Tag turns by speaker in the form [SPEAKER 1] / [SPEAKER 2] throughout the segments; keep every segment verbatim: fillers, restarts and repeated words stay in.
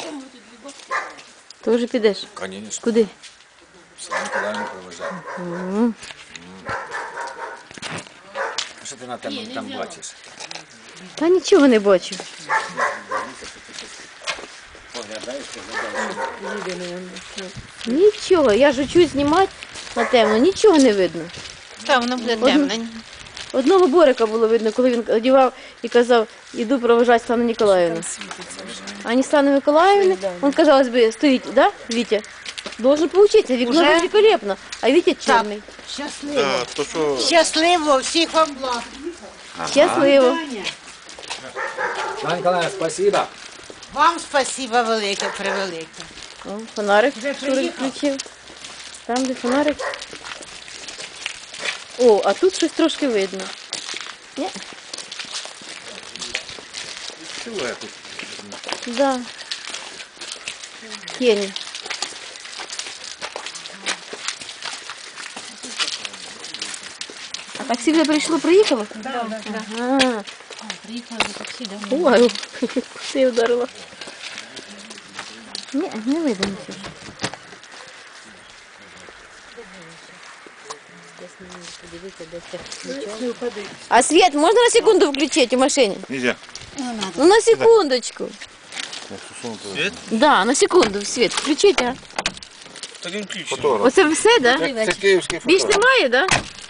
[SPEAKER 1] Ти вже підеш?
[SPEAKER 2] Конечно.
[SPEAKER 1] Куди?
[SPEAKER 2] Святу Миколаївну провожати.
[SPEAKER 1] М.
[SPEAKER 2] А що ти на там, там бачиш?
[SPEAKER 1] Та нічого не бачу.
[SPEAKER 2] Поглядаєш, поглядаєш.
[SPEAKER 1] Нічого, я ж учусь знімати на темно, нічого не видно.
[SPEAKER 3] Та воно буде
[SPEAKER 1] Одну-
[SPEAKER 3] темно.
[SPEAKER 1] Одного Борика було видно, коли він одягав і казав, іду провожати Стану Ніколаївну. А не Стану Миколаївни, він, казалось би, стоїть, да, Вітя? Должен поучитися, вікно
[SPEAKER 3] Уже?
[SPEAKER 1] великолепно, а Вітя чорний.
[SPEAKER 3] Щасливо.
[SPEAKER 4] Да, то що
[SPEAKER 3] Щасливо, всіх вам благ.
[SPEAKER 1] Щасливо.
[SPEAKER 2] Святу Миколаївна, спасибо.
[SPEAKER 3] Вам спасибо велике, превелике.
[SPEAKER 1] О, фонарик
[SPEAKER 3] Вже
[SPEAKER 1] Шурик
[SPEAKER 3] приїхав?
[SPEAKER 1] включив. Там, де фонарик. О, а тут щось трошки видно. Ні?
[SPEAKER 4] силует тут.
[SPEAKER 1] Да. Тіні. А таксі вже прийшло, приїхало?
[SPEAKER 3] Да, да, да.
[SPEAKER 1] Ага.
[SPEAKER 3] Приїхали за таксі, да.
[SPEAKER 1] Ой, ти вдарила. Ні, не видно нічого. А свет можно на секунду включить в машине?
[SPEAKER 4] Нельзя.
[SPEAKER 1] Ну на секундочку.
[SPEAKER 4] Свет?
[SPEAKER 1] Да, на секунду свет включить, а?
[SPEAKER 4] Так він ключ. Фотограф.
[SPEAKER 1] Оце все, да?
[SPEAKER 4] Це київський
[SPEAKER 1] Більш
[SPEAKER 4] фотограф.
[SPEAKER 1] немає, да?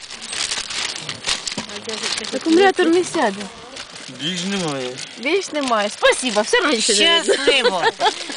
[SPEAKER 1] Акумулятор не сяде.
[SPEAKER 4] Більш немає.
[SPEAKER 1] Більш немає. Спасибо, все менше. не видно.
[SPEAKER 3] Щасливо.